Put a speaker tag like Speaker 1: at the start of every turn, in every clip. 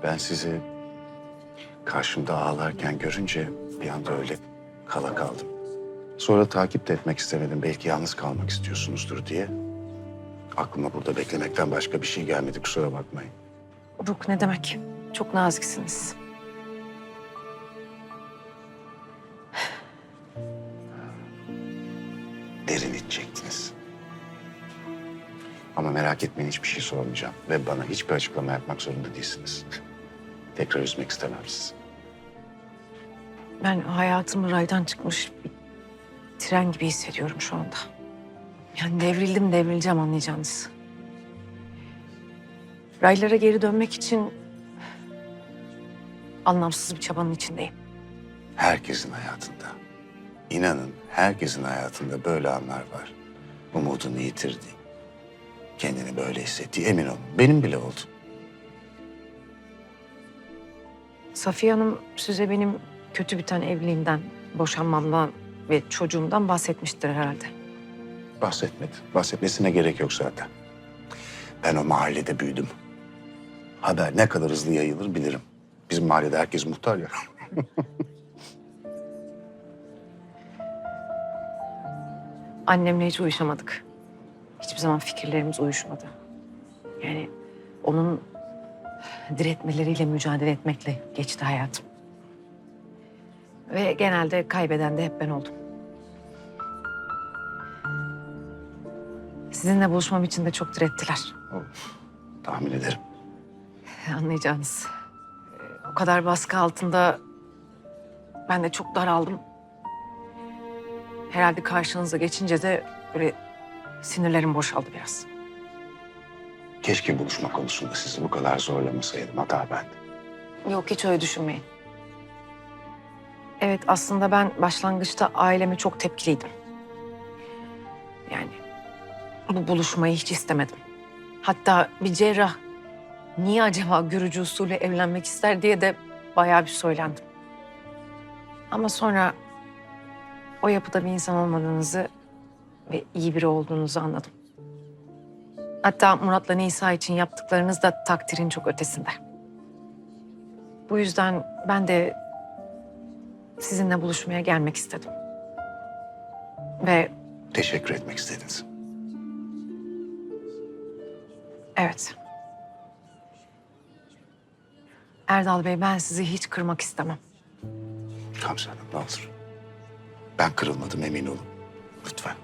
Speaker 1: Ben sizi karşımda ağlarken görünce bir anda öyle kala kaldım. Sonra takip de etmek istemedim. Belki yalnız kalmak istiyorsunuzdur diye. Aklıma burada beklemekten başka bir şey gelmedi. Kusura bakmayın.
Speaker 2: Yok ne demek? Çok naziksiniz.
Speaker 1: Derin içecektiniz. Ama merak etmeyin, hiçbir şey sormayacağım. Ve bana hiçbir açıklama yapmak zorunda değilsiniz. Tekrar üzmek istemem sizi.
Speaker 2: Ben hayatım raydan çıkmış bir tren gibi hissediyorum şu anda. Yani devrileceğim anlayacağınız. Raylara geri dönmek için anlamsız bir çabanın içindeyim.
Speaker 1: Herkesin hayatında, inanın herkesin hayatında böyle anlar var. Umudunu yitirdi. Kendini böyle hissettiği, emin olun. Benim bile oldu.
Speaker 2: Safiye Hanım size benim kötü biten evliliğimden, boşanmamdan ve çocuğumdan bahsetmiştir herhalde.
Speaker 1: Bahsetmedi. Bahsetmesine gerek yok zaten. Ben o mahallede büyüdüm. Haber ne kadar hızlı yayılır bilirim. Bizim mahallede herkes muhtar ya.
Speaker 2: Annemle hiç uyuşamadık. Hiçbir zaman fikirlerimiz uyuşmadı. Yani onun diretmeleriyle mücadele etmekle geçti hayatım. Ve genelde kaybeden de hep ben oldum. Sizinle buluşmam için de çok direttiler.
Speaker 1: Tahmin ederim.
Speaker 2: Anlayacağınız. O kadar baskı altında ben de çok daraldım. Herhalde karşınıza geçince de böyle sinirlerim boşaldı biraz.
Speaker 1: Keşke buluşma konusunda sizi bu kadar zorlamasaydım. Hata bende.
Speaker 2: Yok hiç öyle düşünmeyin. Evet aslında ben başlangıçta aileme çok tepkiliydim. Yani bu buluşmayı hiç istemedim. Hatta bir cerrah niye acaba görücü usulü evlenmek ister diye de bayağı bir söylendim. Ama sonra o yapıda bir insan olmadığınızı ve iyi biri olduğunuzu anladım. Hatta Murat'la Nisa için yaptıklarınız da takdirin çok ötesinde. Bu yüzden ben de sizinle buluşmaya gelmek istedim. Ve
Speaker 1: Teşekkür etmek istediniz.
Speaker 2: evet. Erdal Bey ben sizi hiç kırmak istemem.
Speaker 1: Gamze Hanım ne olur. Ben kırılmadım, emin olun. Lütfen.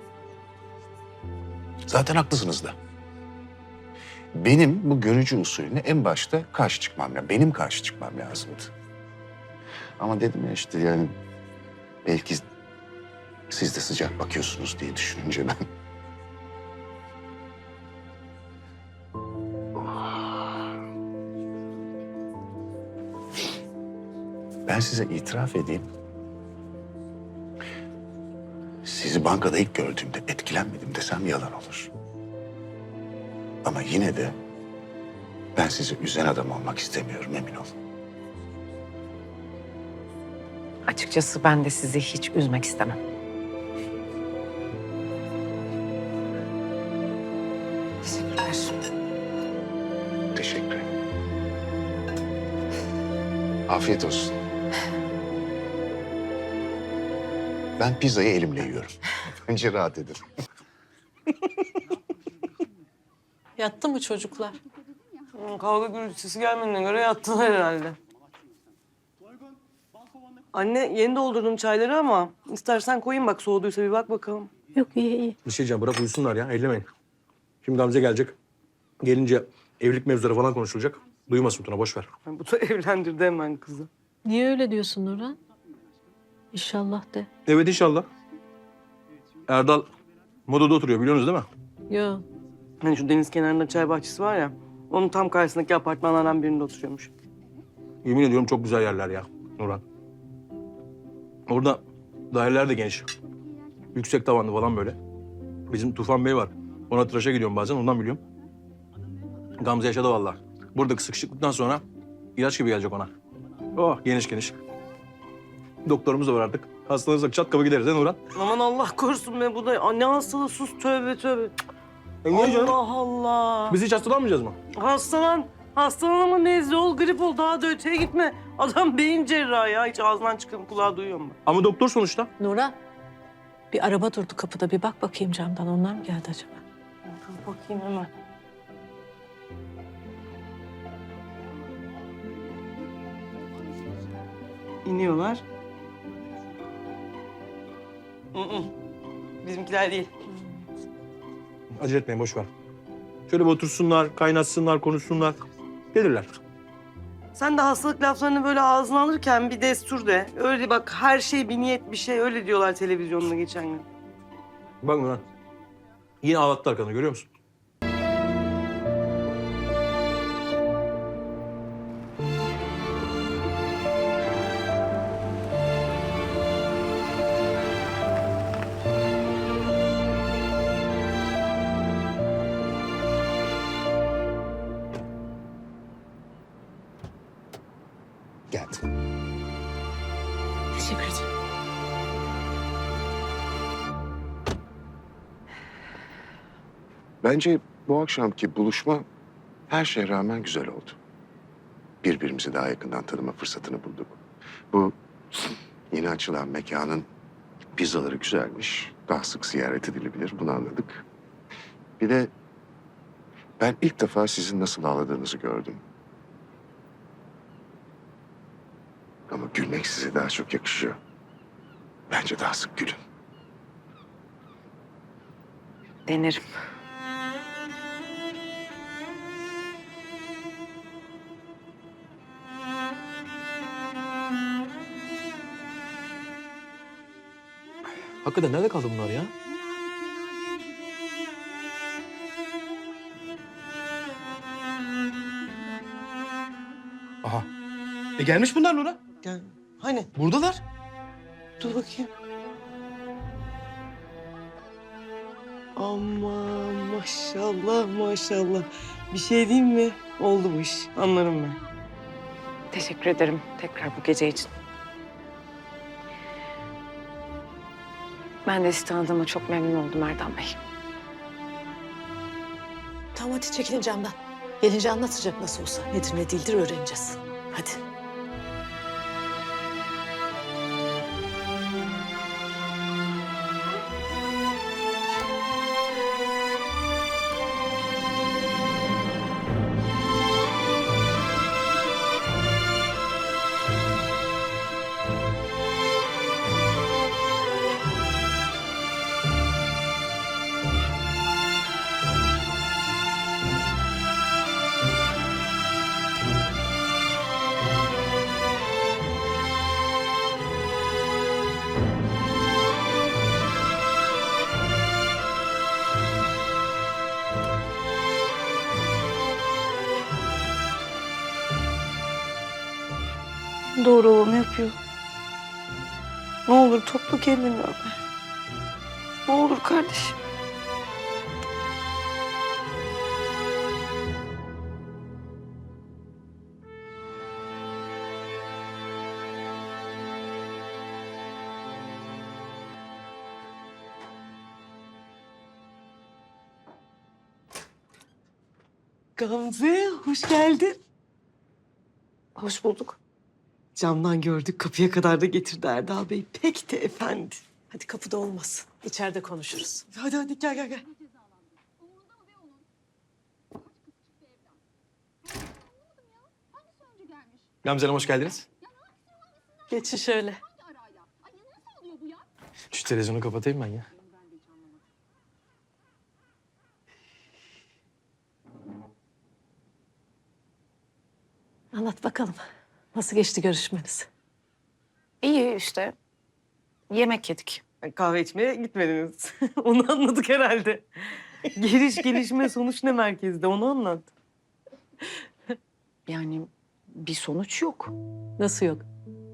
Speaker 1: Zaten haklısınız da. Benim bu görücü usulüne en başta karşı çıkmam lazım. Benim karşı çıkmam lazımdı. Ama dedim ya işte yani belki siz de sıcak bakıyorsunuz diye düşününce ben... Ben size itiraf edeyim. Sizi bankada ilk gördüğümde etkilenmedim desem yalan olur. Ama yine de ben sizi üzen adam olmak istemiyorum, emin olun.
Speaker 2: Açıkçası ben de sizi hiç üzmek istemem. Teşekkürler.
Speaker 1: Teşekkür ederim. Afiyet olsun. Ben pizzayı elimle yiyorum. Önce rahat edin.
Speaker 3: Yattı mı çocuklar?
Speaker 4: Kavga gürültüsü gelmediğine göre yattılar herhalde. Anne yeni doldurdum çayları ama istersen koyayım bak soğuduysa bir bak bakalım.
Speaker 3: Yok iyi.
Speaker 5: Bir şey diyeceğim, bırak uyusunlar ya, ellemeyin. Şimdi Gamze gelecek. Gelince evlilik mevzuları falan konuşulacak. Duymasın Tuna, boş ver.
Speaker 4: Ay, bu da evlendirdi hemen kızı.
Speaker 3: Niye öyle diyorsun Nurhan? İnşallah de.
Speaker 5: Evet inşallah. Erdal Moda'da oturuyor, biliyorsunuz değil mi?
Speaker 3: Yok.
Speaker 4: Hani şu deniz kenarında çay bahçesi var ya, onun tam karşısındaki apartmanlardan birinde oturuyormuş.
Speaker 5: Yemin ediyorum çok güzel yerler ya Nurhan. Orada daireler de geniş. Yüksek tavanlı falan böyle. Bizim Tufan Bey var. Ona tıraşa gidiyorum bazen, ondan biliyorum. Gamze yaşadı vallahi. Buradaki sıkışıklıktan sonra ilaç gibi gelecek ona. Oh geniş geniş. Doktorumuz da var artık. Hastalanırsak çat kapı gideriz he Nurhan?
Speaker 4: Aman Allah korusun be, bu da ne hastalığı, sus, tövbe tövbe.
Speaker 5: Niye canım?
Speaker 4: Allah Allah.
Speaker 5: Biz hiç hastalanmayacağız mı?
Speaker 4: Hastalan. Hastalanma, nezle ol, grip ol, daha da öteye gitme. Adam beyin cerrahı ya. Hiç ağzından çıkan kulağı duyuyor mu?
Speaker 5: Ama doktor sonuçta.
Speaker 3: Nurhan, bir araba durdu kapıda. Bir bak bakayım camdan. Onlar mı geldi acaba?
Speaker 4: Dur bakayım hemen. İniyorlar. Bizimkiler değil.
Speaker 5: Acele etmeyin, boş ver. Şöyle bir otursunlar, kaynaşsınlar, konuşsunlar. Gelirler.
Speaker 4: Sen de hastalık laflarını böyle ağzına alırken bir destur de. Öyle bak, her şey bir niyet, bir şey, öyle diyorlar televizyonda geçen gün.
Speaker 5: Bak Nurhan. Yine ağlattı arkanı, görüyor musun?
Speaker 1: Geldi.
Speaker 3: Teşekkür ederim.
Speaker 1: Bence bu akşamki buluşma her şeye rağmen güzel oldu. Birbirimizi daha yakından tanıma fırsatını bulduk. Bu yeni açılan mekanın pizzaları güzelmiş. Daha sık ziyaret edilebilir. Bunu anladık. Bir de ben ilk defa sizin nasıl ağladığınızı gördüm. Ama gülmek size daha çok yakışıyor. Bence daha sık gülün.
Speaker 2: Denerim.
Speaker 5: Hakikaten nerede kaldı bunlar ya? Aha. Gelmiş bunlar Nurhan.
Speaker 4: Gel. Hani?
Speaker 5: Buradalar.
Speaker 4: Dur bakayım. Aman maşallah maşallah. Bir şey diyeyim mi? Oldu bu iş. Anlarım ben.
Speaker 2: Teşekkür ederim tekrar bu gece için. Ben de sizi tanıdığıma çok memnun oldum Erdal Bey.
Speaker 3: Tamam hadi çekilin camdan. Gelince anlatacak nasıl olsa. Nedir ne değildir öğreneceğiz. Hadi.
Speaker 4: Doğru olanı yapıyor. Ne olur topla kendini Ömer. Ne olur kardeşim. Gamze, hoş geldin.
Speaker 2: Hoş bulduk.
Speaker 4: Camdan gördük, kapıya kadar da getirdi Erdal Bey. Pek de efendi.
Speaker 3: Hadi kapıda olmasın. İçeride konuşuruz.
Speaker 4: Hadi hadi gel gel gel.
Speaker 5: Gamze Hanım hoş geldiniz.
Speaker 3: Geçin şöyle.
Speaker 5: Şu televizyonu kapatayım ben ya.
Speaker 3: Anlat bakalım. Nasıl geçti görüşmeniz?
Speaker 2: İyi işte. Yemek yedik.
Speaker 4: Kahve içmeye gitmediniz. Onu anladık herhalde. Geliş gelişme sonuç ne merkezde, onu anlat.
Speaker 2: Yani bir sonuç yok.
Speaker 3: Nasıl yok?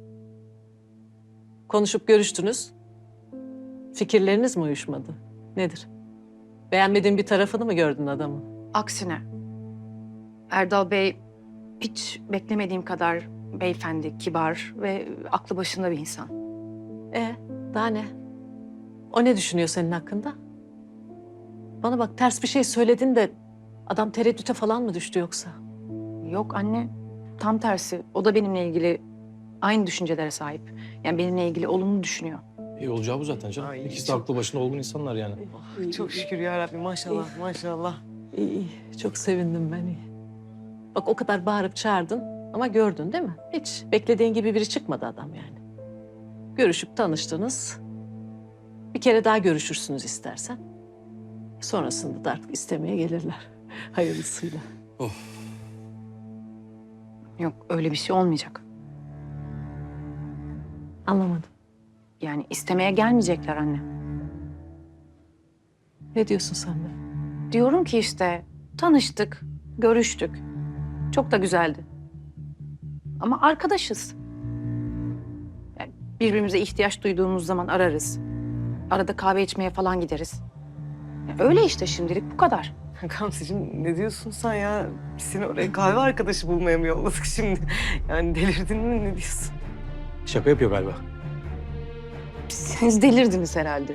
Speaker 3: Konuşup görüştünüz. Fikirleriniz mi uyuşmadı? Nedir? Beğenmediğin bir tarafını mı gördün adamın?
Speaker 2: Aksine Erdal Bey hiç beklemediğim kadar beyefendi, kibar ve aklı başında bir insan.
Speaker 3: Daha ne? O ne düşünüyor senin hakkında? Bana bak ters bir şey söyledin de adam tereddüte falan mı düştü yoksa?
Speaker 2: Yok anne, tam tersi. O da benimle ilgili aynı düşüncelere sahip. Yani benimle ilgili olumlu düşünüyor.
Speaker 5: İyi olacağı bu zaten canım.
Speaker 4: Ay,
Speaker 5: İkisi de
Speaker 4: çok-
Speaker 5: aklı başında olgun insanlar yani.
Speaker 4: Çok şükür ya Rabbi, maşallah maşallah.
Speaker 3: İyi, iyi. Çok sevindim ben iyi. Bak o kadar bağırıp çağırdın ama gördün değil mi? Hiç beklediğin gibi biri çıkmadı adam yani. Görüşüp tanıştınız. Bir kere daha görüşürsünüz istersen. Sonrasında da artık istemeye gelirler. Hayırlısıyla.
Speaker 2: Yok, öyle bir şey olmayacak.
Speaker 3: Anlamadım.
Speaker 2: Yani istemeye gelmeyecekler anne.
Speaker 3: Ne diyorsun sen de?
Speaker 2: Diyorum ki işte tanıştık, görüştük. Çok da güzeldi. Ama arkadaşız. Yani birbirimize ihtiyaç duyduğumuz zaman ararız. Arada kahve içmeye falan gideriz. Yani öyle işte şimdilik bu kadar.
Speaker 4: Gamzeciğim ne diyorsun sen ya? Biz seni oraya kahve arkadaşı bulmaya mı yolladık şimdi? Yani delirdin mi, ne diyorsun?
Speaker 5: Şaka yapıyor galiba.
Speaker 2: Siz delirdiniz herhalde.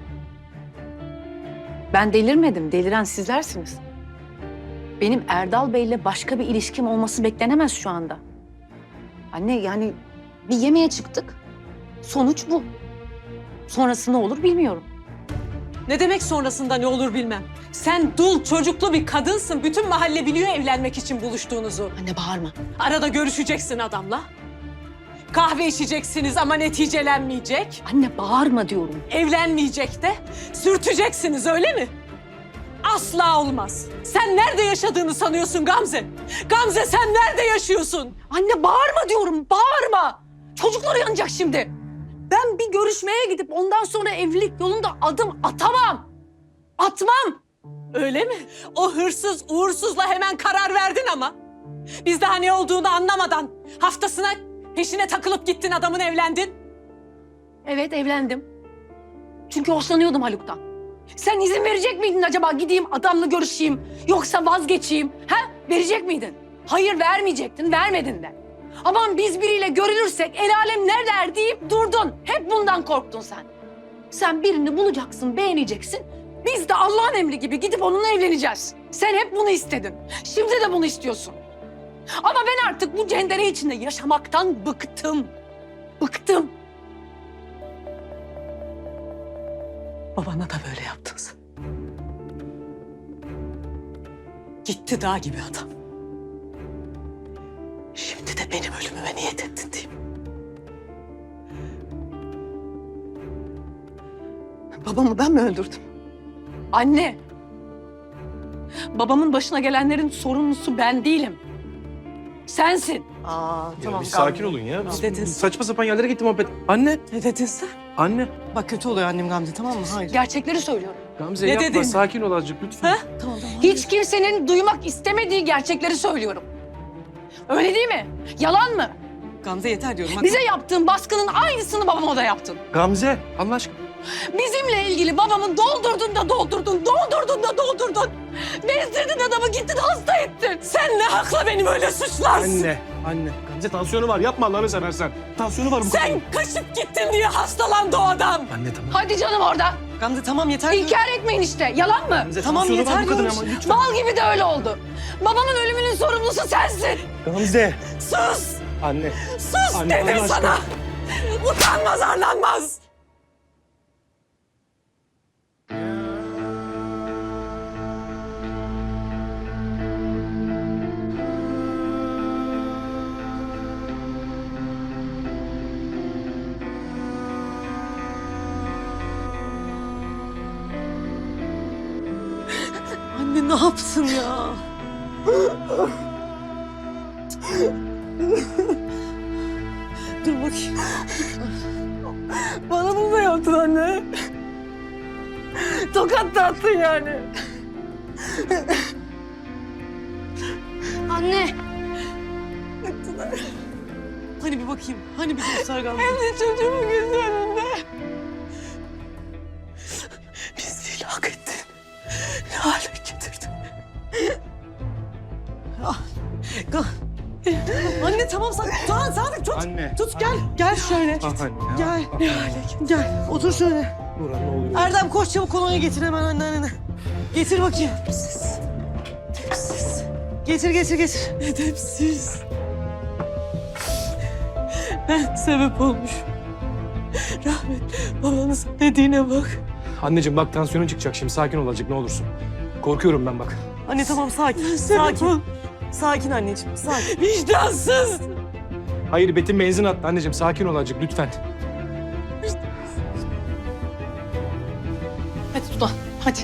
Speaker 2: Ben delirmedim. Deliren sizlersiniz. Benim Erdal Bey'le başka bir ilişkim olması beklenemez şu anda. Anne yani bir yemeğe çıktık. Sonuç bu. Sonrası ne olur bilmiyorum.
Speaker 3: Ne demek sonrasında ne olur bilmem. Sen dul çocuklu bir kadınsın. Bütün mahalle biliyor evlenmek için buluştuğunuzu.
Speaker 2: Anne bağırma.
Speaker 3: Arada görüşeceksin adamla. Kahve içeceksiniz ama neticelenmeyecek.
Speaker 2: Anne bağırma diyorum.
Speaker 3: Evlenmeyecek de sürteceksiniz öyle mi? Asla olmaz. Sen nerede yaşadığını sanıyorsun Gamze? Gamze sen nerede yaşıyorsun?
Speaker 2: Anne bağırma diyorum. Bağırma. Çocuklar yanacak şimdi. Ben bir görüşmeye gidip ondan sonra evlilik yolunda adım atamam. Atmam.
Speaker 3: Öyle mi? O hırsız uğursuzla hemen karar verdin ama. Biz daha ne olduğunu anlamadan haftasına peşine takılıp gittin adamın evlendin.
Speaker 2: Evet evlendim. Çünkü hoşlanıyordum Haluk'tan. Sen izin verecek miydin acaba gideyim adamla görüşeyim yoksa vazgeçeyim? Ha? Verecek miydin? Hayır vermeyecektin, vermedin de. Aman biz biriyle görülürsek el alem ne der deyip durdun. Hep bundan korktun sen. Sen birini bulacaksın, beğeneceksin. Biz de Allah'ın emri gibi gidip onunla evleneceğiz. Sen hep bunu istedin. Şimdi de bunu istiyorsun. Ama ben artık bu cendere içinde yaşamaktan bıktım. Bıktım.
Speaker 3: Babana da böyle yaptın sen. Gitti dağ gibi adam. Şimdi de benim ölümüme niyet ettin değil mi?
Speaker 2: Babamı ben mi öldürdüm? Anne! Babamın başına gelenlerin sorumlusu ben değilim. Sensin.
Speaker 4: Aa tamam.
Speaker 5: bir
Speaker 4: Gamze.
Speaker 5: sakin olun ya.
Speaker 3: Ne dedin?
Speaker 5: Saçma sapan yerlere gitti muhabbet. Anne,
Speaker 3: Ne dedin sen?
Speaker 5: anne.
Speaker 4: Bak kötü oluyor annem Gamze, tamam mı? Hayır.
Speaker 2: Gerçekleri söylüyorum.
Speaker 5: Gamze
Speaker 3: Ne
Speaker 5: yapma,
Speaker 3: dedin?
Speaker 5: sakin ol azıcık lütfen.
Speaker 3: Ha?
Speaker 4: Tamam tamam.
Speaker 2: Hiç kimsenin duymak istemediği gerçekleri söylüyorum. Öyle değil mi? Yalan mı?
Speaker 4: Gamze yeter diyorum. Bak.
Speaker 2: Bize yaptığın baskının aynısını babama da yaptın.
Speaker 5: Gamze, Allah aşkına.
Speaker 2: Bizimle ilgili babamın doldurdun da doldurdun, doldurdun da doldurdun. Bezdirdin adamı, gittin hasta ettin.
Speaker 3: Sen ne hakla beni böyle suçlarsın?
Speaker 5: Anne. Gamze tansiyonu var, yapma Allah'ını seversen. Tansiyonu var bu
Speaker 3: Sen kaçıp gittin diye hastalandı o adam.
Speaker 5: Anne tamam.
Speaker 2: Hadi canım orada.
Speaker 4: Gamze tamam yeter diyorum.
Speaker 2: İnkar etmeyin işte. Yalan mı?
Speaker 5: Gamze
Speaker 4: Tamam,
Speaker 5: tansiyonu var
Speaker 4: yeter
Speaker 5: bu kadın
Speaker 4: diyorum.
Speaker 5: ama lütfen.
Speaker 2: Bal gibi de öyle oldu. Babamın ölümünün sorumlusu sensin.
Speaker 5: Gamze.
Speaker 3: Sus!
Speaker 5: Anne.
Speaker 3: Sus
Speaker 5: Anne,
Speaker 3: dedim
Speaker 5: Allah aşkına.
Speaker 3: sana! Utanmaz arlanmaz!
Speaker 4: Anne ne yapsın ya? Dur bakayım. Bana bunu da yaptın anne. Tokat da attın yani.
Speaker 2: Anne.
Speaker 4: Hani bir bakayım. Hani bir göster Gamze.
Speaker 3: Çocuğumun gözü önünde. Pisliğini hak ettin. Ne hale getirdin?
Speaker 4: Anne tamam Sadık tut.
Speaker 5: Anne.
Speaker 4: Tut gel. Gel şöyle.
Speaker 5: Ah anne ya.
Speaker 4: Gel. Gel. Otur şöyle.
Speaker 5: Nurhan ne oluyor?
Speaker 4: Erdem koş çabuk kolonya getir hemen anneannene. Getir bakayım.
Speaker 3: Tipsiz.
Speaker 4: Getir getir getir.
Speaker 3: Edepsiz. Ben sebep olmuşum. Rahmet babanız dediğine bak.
Speaker 6: Anneciğim bak tansiyonun çıkacak şimdi. Sakin ol azıcık ne olursun. Korkuyorum ben bak.
Speaker 4: Anne tamam sakin.
Speaker 3: Sebep ol.
Speaker 4: Sakin. Sakin anneciğim sakin.
Speaker 3: Vicdansız.
Speaker 6: Hayır Betim benzin attı anneciğim. Sakin ol azıcık lütfen.
Speaker 2: Hadi Tuna, hadi.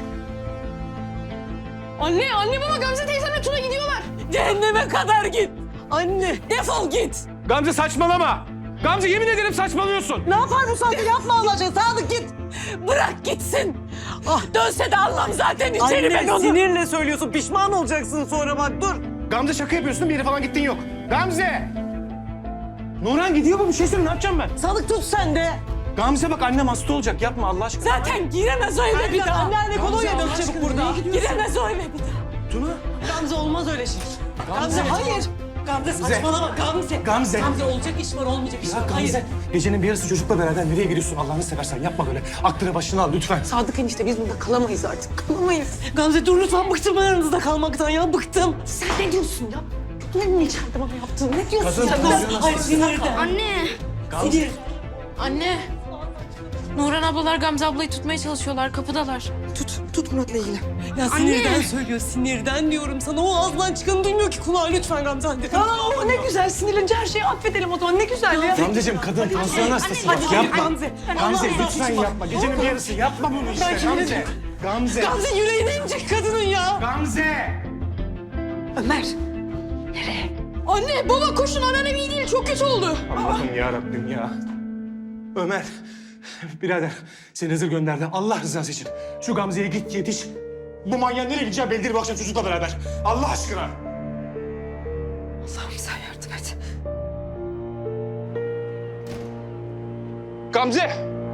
Speaker 2: Anne baba Gamze teyzemle Tuna gidiyorlar.
Speaker 3: Cehenneme kadar git.
Speaker 4: Anne.
Speaker 3: Defol git.
Speaker 6: Gamze saçmalama. Gamze yemin ederim saçmalıyorsun.
Speaker 4: Ne yapar bu Sadık? Yapma Allah aşkına. Sadık git.
Speaker 3: Bırak gitsin. Ah dönse de Allah'ım zaten içeri ben
Speaker 4: Anne
Speaker 3: onu.
Speaker 4: sinirle söylüyorsun. Pişman olacaksın sonra bak dur.
Speaker 6: Gamze şaka yapıyorsun bir yere falan gittin yok. Gamze! Nurhan gidiyor bu bir şey söyle ne yapacağım ben?
Speaker 4: Sadık tut sen de.
Speaker 6: Gamze bak annem hasta olacak yapma Allah aşkına.
Speaker 3: Zaten giremez o eve bir daha.
Speaker 4: Anne kolonya dök çabuk burada.
Speaker 3: Giremez o eve bir daha.
Speaker 6: Tuna.
Speaker 4: Gamze olmaz öyle şey. Gamze hayır. Gamze saçmalama Gamze.
Speaker 6: Gamze.
Speaker 4: Gamze olacak iş var olmayacak iş var.
Speaker 6: Ya Gamze gecenin bir yarısı çocukla beraber nereye gidiyorsun Allah'ını seversen yapma böyle. Aklını başına al lütfen.
Speaker 4: Sadık enişte biz burada kalamayız artık. Kalamayız. Gamze dur lütfen bıktım ben aranızda kalmaktan ya bıktım. Sen ne diyorsun ya? Ne içeride bana yaptın? Ne diyorsun
Speaker 6: Kadın
Speaker 4: sen?
Speaker 6: tansiyonu
Speaker 4: Hayır sinirden.
Speaker 7: Anne.
Speaker 4: Sinir.
Speaker 7: Anne. Nurhan ablalar Gamze ablayı tutmaya çalışıyorlar. Kapıdalar.
Speaker 4: Tut Murat'la ilgili. Ya sinirden söylüyor sinirden diyorum sana. O ağzından çıkanı duymuyor ki kulağı lütfen Gamze hadi. Aa ne güzel sinirlenince her şeyi affedelim o zaman ne güzel ya.
Speaker 6: Gamzeciğim kadın tansiyon hastası bak
Speaker 4: Hadi
Speaker 6: yapma.
Speaker 4: Gamze.
Speaker 6: Gamze
Speaker 4: Allah
Speaker 6: lütfen
Speaker 4: Allah.
Speaker 6: yapma. Gecenin bir yarısı yapma bunu işte Gamze. Gamze.
Speaker 4: Gamze yüreğine inecek kadının ya.
Speaker 6: Gamze.
Speaker 4: Ömer.
Speaker 7: Anne baba koşun anneannem iyi değil. Çok kötü oldu.
Speaker 6: Allah'ım ya Rabbim ya. Ömer, birader seni Hızır gönderdi. Allah rızası için. Şu Gamze'ye git yetiş. Bu manyağın nereye gideceği belli değil bu akşam çocukla beraber. Allah aşkına.
Speaker 4: Allah'ım sen yardım et.
Speaker 6: Gamze!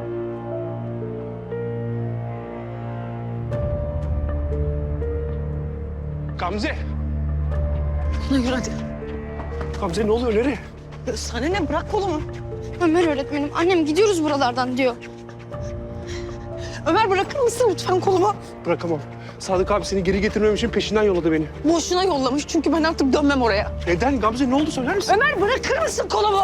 Speaker 6: Gamze!
Speaker 4: Yürü hadi.
Speaker 6: Gamze ne oluyor nereye?
Speaker 4: Sana ne bırak kolumu.
Speaker 7: Ömer öğretmenim annem gidiyoruz buralardan diyor.
Speaker 4: Ömer bırakır mısın lütfen kolumu?
Speaker 6: Bırakamam. Sadık abi seni geri getirmem için peşinden yolladı beni.
Speaker 4: Boşuna yollamış çünkü ben artık dönmem oraya.
Speaker 6: Neden Gamze ne oldu söyler misin?
Speaker 4: Ömer bırakır mısın kolumu?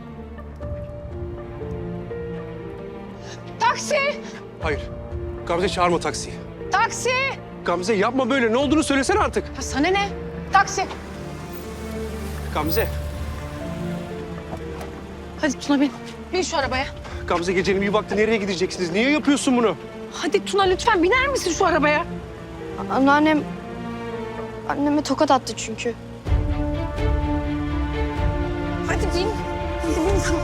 Speaker 7: Taksi!
Speaker 6: Hayır. Gamze çağırma taksiyi.
Speaker 7: Taksi!
Speaker 6: Gamze yapma böyle ne olduğunu söylesene artık.
Speaker 7: Ha, sana ne? Taksi.
Speaker 6: Gamze.
Speaker 7: Hadi Tuna bin. Bin şu arabaya.
Speaker 6: Gamze gecenin bir vakti nereye gideceksiniz? Niye yapıyorsun bunu?
Speaker 7: Hadi Tuna lütfen biner misin şu arabaya? Anneannem... Anneme tokat attı çünkü. Hadi bin. Hadi bin tamam.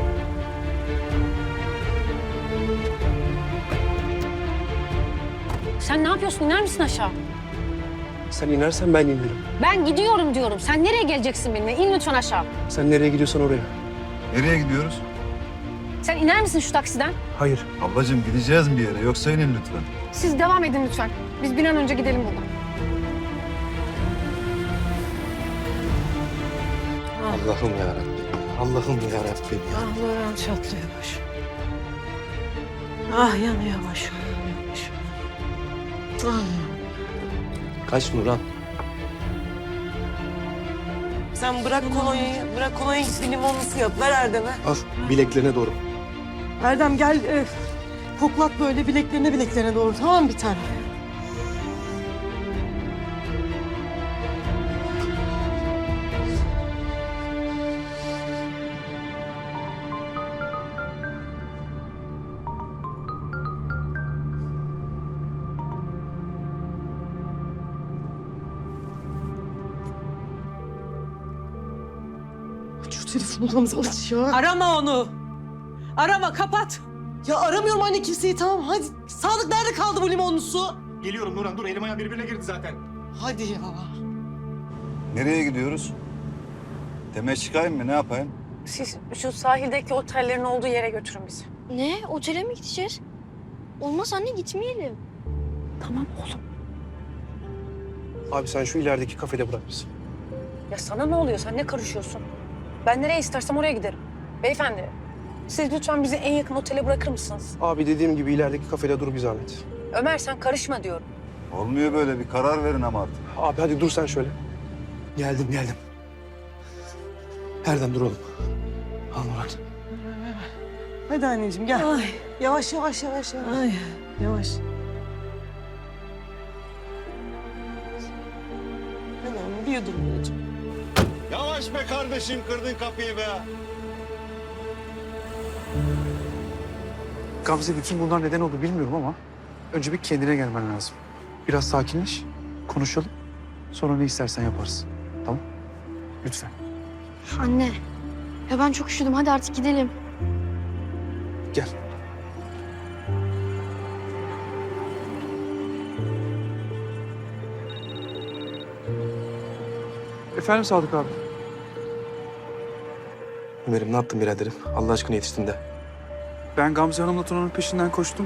Speaker 8: Sen ne yapıyorsun? İner misin aşağı?
Speaker 6: Sen inersen ben inerim.
Speaker 8: Ben gidiyorum diyorum. Sen nereye geleceksin benimle? İn lütfen aşağı.
Speaker 6: Sen nereye gidiyorsan oraya.
Speaker 9: Nereye gidiyoruz?
Speaker 8: Sen iner misin şu taksiden?
Speaker 6: Hayır.
Speaker 9: Ablacığım gideceğiz bir yere yoksa inin lütfen.
Speaker 7: Siz devam edin lütfen. Biz bir an önce gidelim buradan.
Speaker 6: Allah'ım ya Rabbim. Allah'ım ya Rabbim.
Speaker 3: Ah Nurhan çatlıyor başım. Ah yanıyor başım. Ah.
Speaker 6: Kaç Nurhan?
Speaker 4: Sen bırak kolonyayı, bırak kolonyayı git bir limonlu su yap. Ver Erdem'e.
Speaker 6: Al bileklerine doğru.
Speaker 4: Erdem gel koklat böyle bileklerine doğru tamam mı bir tane? Aç şu telefonu Gamze aç ya.
Speaker 3: Arama onu. Arama kapat.
Speaker 4: Ya aramıyorum anne kimseyi tamam hadi. Sadık nerede kaldı bu limonlu su?
Speaker 6: Geliyorum Nurhan dur elim ayağım birbirine girdi zaten.
Speaker 4: Hadi ya.
Speaker 9: Nereye gidiyoruz? Demeye çıkayım mı ne yapayım?
Speaker 2: Siz şu sahildeki otellerin olduğu yere götürün bizi.
Speaker 7: Ne? Otele mi gideceğiz? Olmaz anne gitmeyelim.
Speaker 2: Tamam oğlum.
Speaker 6: Abi sen şu ilerideki kafede bırak bizi.
Speaker 2: Ya sana ne oluyor? Sen ne karışıyorsun? Ben nereye istersem oraya giderim. Beyefendi, siz lütfen bizi en yakın otele bırakır mısınız?
Speaker 6: Abi dediğim gibi ilerideki kafede dur bir zahmet.
Speaker 2: Ömer sen karışma diyorum.
Speaker 9: Olmuyor böyle bir karar verin ama artık.
Speaker 6: Abi hadi dur sen şöyle. Geldim. Erdem dur oğlum. Al Nurhan.
Speaker 4: Hadi anneciğim gel.
Speaker 3: Ay.
Speaker 4: Yavaş.
Speaker 3: Ay yavaş.
Speaker 4: Hadi anne bir yudum anneciğim.
Speaker 9: Yavaş be kardeşim, kırdın kapıyı be.
Speaker 10: Gamze bütün bunlar neden oldu bilmiyorum ama önce bir kendine gelmen lazım. Biraz sakinleş, konuşalım. Sonra ne istersen yaparız. Tamam? Lütfen.
Speaker 7: Anne. Ya ben çok üşüdüm. Hadi artık gidelim.
Speaker 10: Gel. Efendim Sadık abi.
Speaker 6: Ömer'im ne yaptın biraderim? Allah aşkına yetiştin de.
Speaker 10: Ben Gamze Hanım'la Tuna'nın peşinden koştum.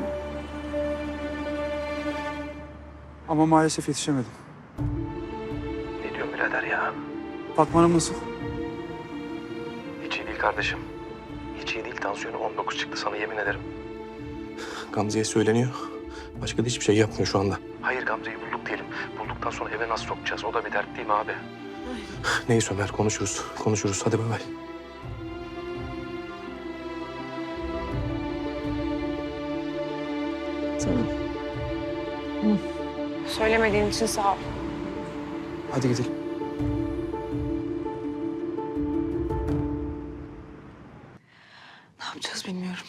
Speaker 10: Ama maalesef yetişemedim.
Speaker 5: Ne diyorsun birader ya?
Speaker 10: Fatma Hanım nasıl?
Speaker 5: Hiç iyi değil kardeşim. Hiç iyi değil. Tansiyonu 19 çıktı sana yemin ederim. Gamze'ye söyleniyor. Başka da hiçbir şey yapmıyor şu anda. Hayır Gamze'yi bulduk diyelim. Bulduktan sonra eve nasıl sokacağız? O da bir dert değil mi abi? Neyse Ömer konuşuruz. Hadi bay bay.
Speaker 3: Tamam.
Speaker 2: Söylemediğin için sağ ol.
Speaker 10: Hadi gidelim.
Speaker 4: Ne yapacağız bilmiyorum.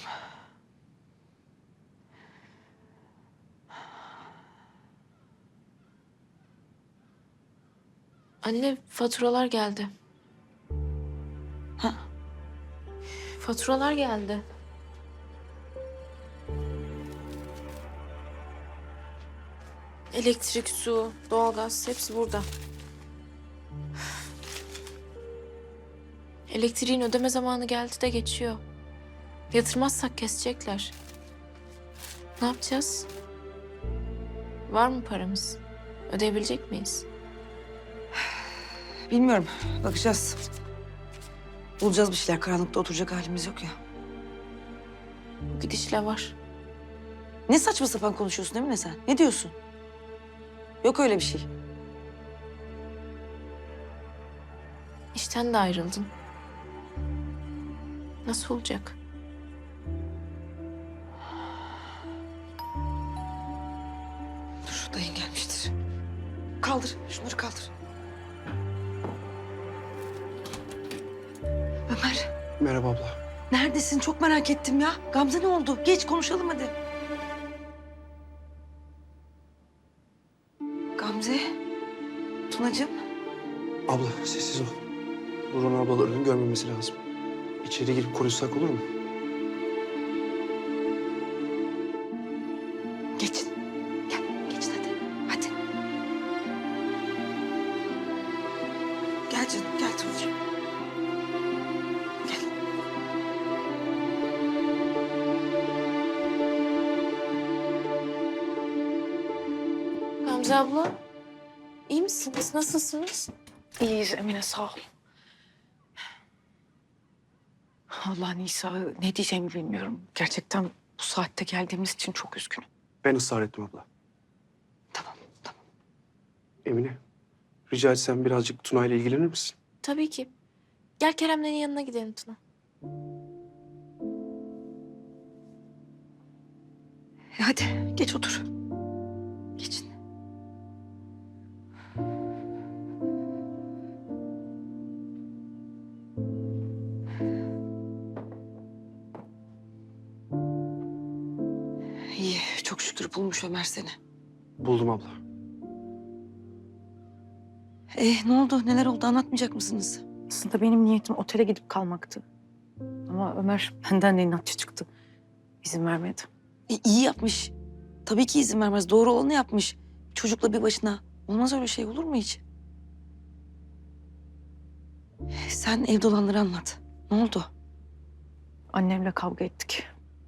Speaker 11: Anne faturalar geldi.
Speaker 4: Ha?
Speaker 11: Faturalar geldi. Elektrik, su, doğalgaz hepsi burada. Elektriğin ödeme zamanı geldi de geçiyor. Yatırmazsak kesecekler. Ne yapacağız? Var mı paramız? Ödeyebilecek miyiz?
Speaker 4: Bilmiyorum. Bakacağız. Bulacağız bir şeyler. Karanlıkta oturacak halimiz yok ya.
Speaker 11: Bu gidişle var.
Speaker 4: Ne saçma sapan konuşuyorsun Emine sen? Ne diyorsun? Yok öyle bir şey.
Speaker 11: İşten de ayrıldın. Nasıl olacak?
Speaker 4: Dur dayın gelmiştir. Kaldır. Şunları kaldır. Ömer.
Speaker 10: Merhaba abla.
Speaker 4: Neredesin? Çok merak ettim ya. Gamze ne oldu? Geç konuşalım hadi. Gamze. Tunacığım.
Speaker 10: Abla sessiz ol. Nurhan ablalarının görmemesi lazım. İçeri girip konuşsak olur mu?
Speaker 4: Geçin. Gel. Geçin hadi. Hadi. Gel canım. Gel Tunacığım. Gel.
Speaker 11: Gamze abla, iyi misiniz? Nasılsınız?
Speaker 2: İyiyiz Emine sağ ol. Allah Nisa ne diyeceğimi bilmiyorum. Gerçekten bu saatte geldiğimiz için çok üzgünüm.
Speaker 10: Ben ısrar ettim abla.
Speaker 4: Tamam.
Speaker 10: Emine, rica etsem birazcık Tuna ile ilgilenir misin?
Speaker 11: Tabii ki. Gel Kerem'lerin yanına gidelim Tuna.
Speaker 4: Hadi geç otur. Geçin. İyi, çok şükür bulmuş Ömer seni.
Speaker 10: Buldum abla.
Speaker 4: Ne oldu? Neler oldu? Anlatmayacak mısınız?
Speaker 2: Aslında benim niyetim otele gidip kalmaktı. Ama Ömer benden de inatçı çıktı. İzin vermedi.
Speaker 4: İyi yapmış. Tabii ki izin vermez. Doğru olanı yapmış. Çocukla bir başına. Olmaz öyle şey, olur mu hiç? Sen evde olanları anlat. Ne oldu?
Speaker 2: Annemle kavga ettik.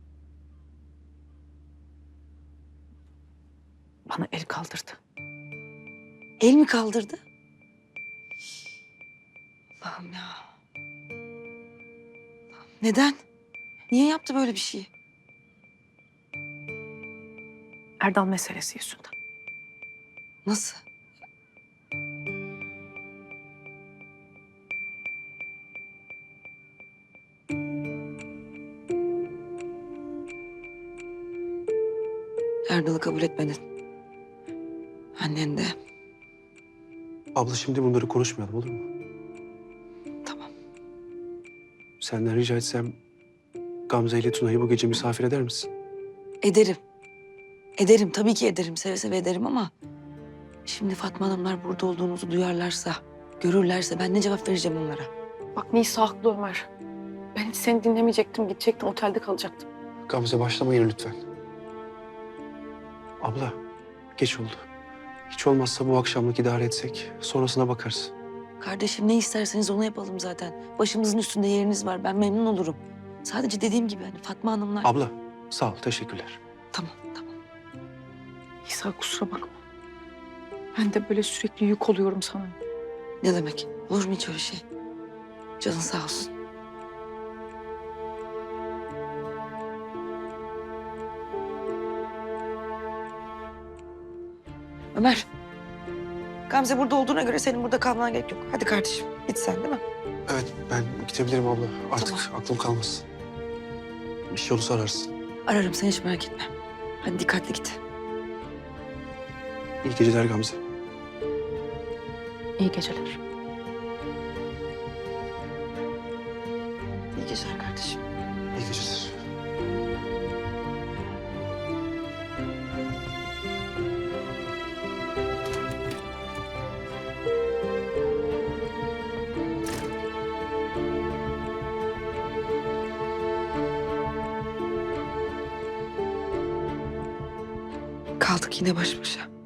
Speaker 2: Bana el kaldırdı.
Speaker 4: El mi kaldırdı? Allah'ım ya. Neden? Niye yaptı böyle bir şey?
Speaker 2: Erdal meselesi yüzünden.
Speaker 4: Nasıl? Erdal'ı kabul etmedin. Annen de.
Speaker 10: Abla şimdi bunları konuşmayalım olur mu?
Speaker 4: Tamam.
Speaker 10: Senden rica etsem Gamze ile Tuna'yı bu gece misafir eder misin?
Speaker 4: Ederim. Ederim, tabii ki ederim. Seve seve ederim ama... Şimdi Fatma Hanımlar burada olduğunuzu duyarlarsa, görürlerse ben ne cevap vereceğim onlara?
Speaker 2: Bak Nisa haklı Ömer. Ben hiç seni dinlemeyecektim. Gidecektim, otelde kalacaktım.
Speaker 10: Gamze başlamayın lütfen. Abla geç oldu. Hiç olmazsa bu akşamlık idare etsek sonrasına bakarız.
Speaker 4: Kardeşim ne isterseniz onu yapalım zaten. Başımızın üstünde yeriniz var. Ben memnun olurum. Sadece dediğim gibi hani Fatma Hanımlar...
Speaker 10: Abla sağ ol teşekkürler.
Speaker 4: Tamam, tamam.
Speaker 2: Nisa kusura bakma. Ben de böyle sürekli yük oluyorum sana.
Speaker 4: Ne demek? Olur mu hiç öyle şey? Canın sağ olsun. Ömer. Gamze burada olduğuna göre senin burada kalmana gerek yok. Hadi kardeşim git sen değil mi?
Speaker 10: Evet ben gidebilirim abla. Artık aklım kalmaz. Bir şey olursa ararsın.
Speaker 4: Ararım sen hiç merak etme. Hadi dikkatli git.
Speaker 10: İyi geceler Gamze.
Speaker 2: İyi geceler.
Speaker 4: İyi geceler kardeşim.
Speaker 10: İyi geceler.
Speaker 4: Kaldık yine baş başa.